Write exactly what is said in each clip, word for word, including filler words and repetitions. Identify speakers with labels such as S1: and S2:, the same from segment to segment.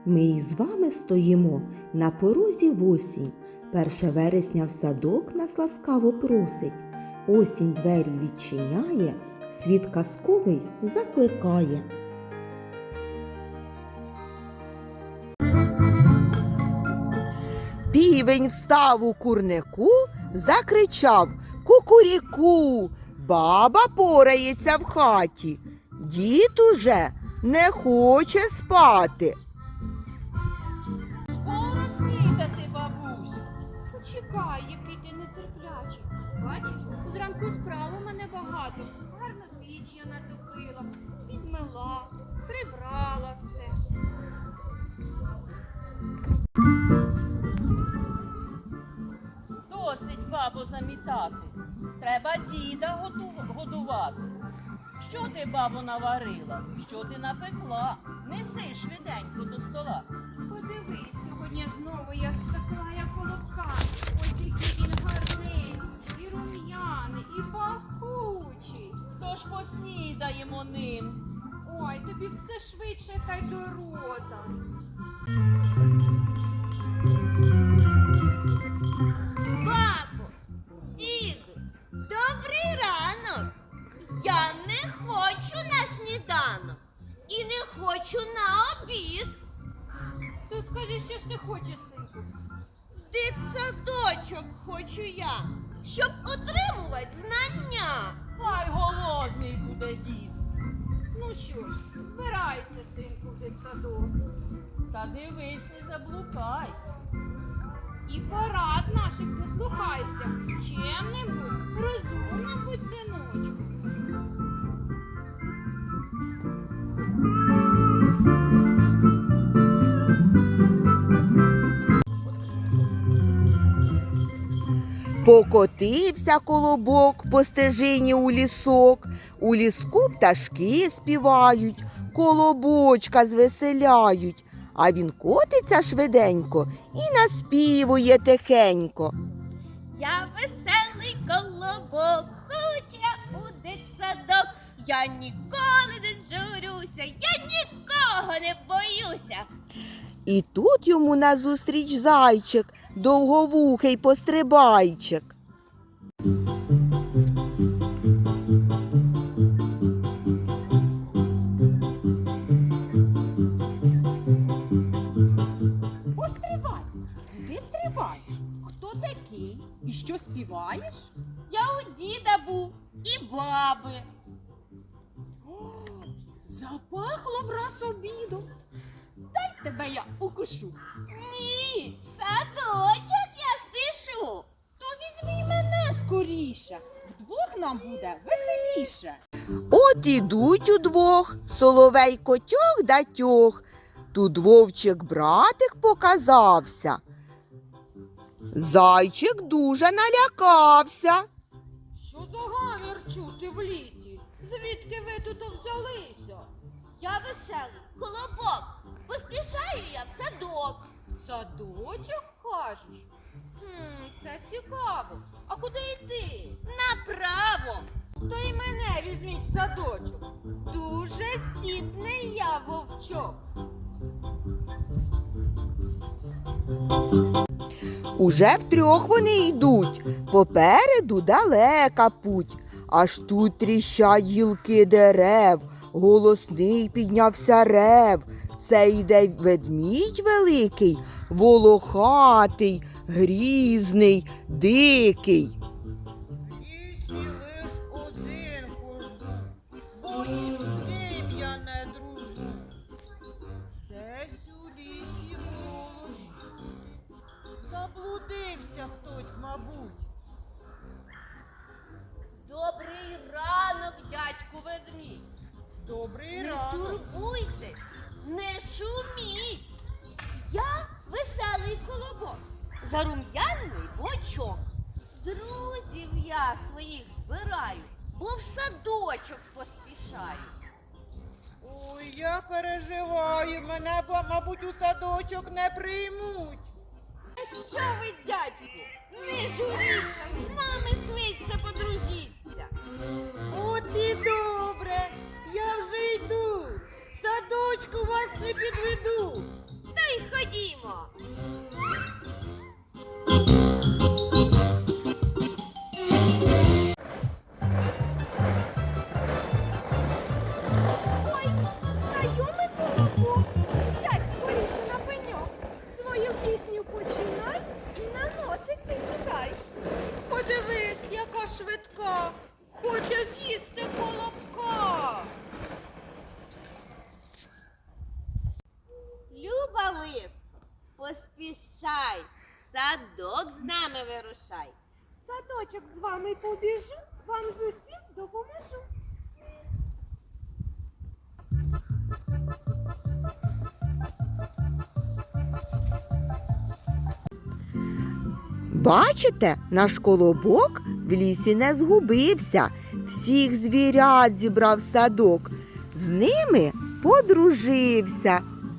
S1: Ми із вами стоїмо на порозі в осінь. Перше вересня в садок нас ласкаво просить. Осінь двері відчиняє, світ казковий закликає. Півень встав у курнику, закричав: кукуріку, баба порається в хаті. Дід уже не хоче спати.
S2: Скоро снідати, бабусю. Почекай, який ти нетерплячий. Бачиш, зранку справ у мене багато. Гарно піч я натопила, підмила, прибрала все.
S3: Досить, бабо, замітати. Треба діда готу- годувати. Що ти, бабо, наварила? Що ти напекла? Неси швиденько до стола.
S2: Подивись, сьогодні знову я спекла я колобка. Ось який він гарний, і рум'яний, і пахучий.
S3: Тож поснідаємо ним.
S2: Ой, тобі все швидше та й до рота.
S4: Бабо, діду, добрий ранок. Я не хочу на сніданок і не хочу на обід.
S2: То скажи, що ж ти хочеш, синку?
S4: Дитсадочок хочу я, щоб отримувати знання.
S3: Хай голодний буде дід.
S2: Ну що ж, збирайся, синку, в дитсадок.
S3: Та дивись, не заблукай.
S2: І порад наших дослухайся. Чемним будь, розумним будь, синочку.
S1: Покотився колобок по стежині у лісок. У ліску пташки співають, колобочка звеселяють. А він котиться швиденько і наспівує тихенько.
S4: Я веселий колобок, хочу я у дитсадок. Я ніколи не журюся, я нікого не боюся.
S1: І тут йому назустріч зайчик, довговухий пострибайчик.
S5: Постривай, куди стрибаєш? Хто такий? І що співаєш?
S4: Я у діда був і баби.
S5: О, запахло враз обідом. Дай тебе я укушу.
S4: Ні, в садочок я спішу.
S5: То візьми мене скоріше. Вдвох нам буде веселіше.
S1: От ідуть удвох, соловей котьох да тьох. Тут вовчик братик показався. Зайчик дуже налякався.
S2: Що за гамір чути в лісі? Звідки ви тут взялися?
S4: Я веселий колобок. Поспішаю я в садок.
S2: Садочок, кажеш? Хм, це цікаво. А куди йти?
S4: Направо.
S2: То й мене візьміть в садочок. Дуже здібний я вовчок.
S1: Уже втрьох вони йдуть, попереду далека путь. Аж тут тріщать гілки дерев, голосний піднявся рев. Це йде ведмідь великий, волохатий, грізний, дикий.
S6: Лісі лиш один хожу, бо ні з ким я не дружу. Десь у лісі голос чути, заблудився хтось, мабуть.
S4: Добрий ранок, дядьку ведмідь.
S6: Добрий
S4: Не
S6: ранок.
S4: турбуйте, не шуміть. Я веселий колобок, зарум'янений бочок. Друзів я своїх збираю, бо в садочок поспішаю.
S6: Ой, я переживаю, мене, бо, мабуть, у садочок не приймуть.
S4: Що ви, дядьку, не журіться, з нами швидше подружіться.
S6: От і добре, я вже йду, в садочку вас не підведу.
S4: Та
S7: Сядь скоріше на пеньок. Свою пісню починай і на носик ти сідай.
S6: Подивись, яка швидка. Хоче з'їсти колобка.
S4: Люба лиско, поспішай, в садок з нами вирушай.
S7: В садочок з вами побіжу, вам з усім допоможу.
S1: Бачите, наш колобок в лісі не згубився, всіх звірят зібрав в садок, з ними подружився.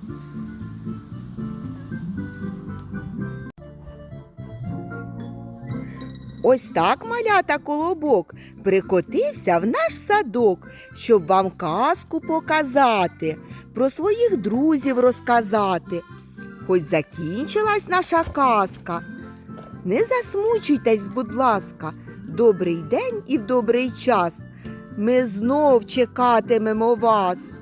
S1: Ось так, малята, колобок прикотився в наш садок, щоб вам казку показати, про своїх друзів розказати. Хоч закінчилась наша казка, не засмучуйтесь, будь ласка, добрий день і в добрий час. Ми знов чекатимемо вас.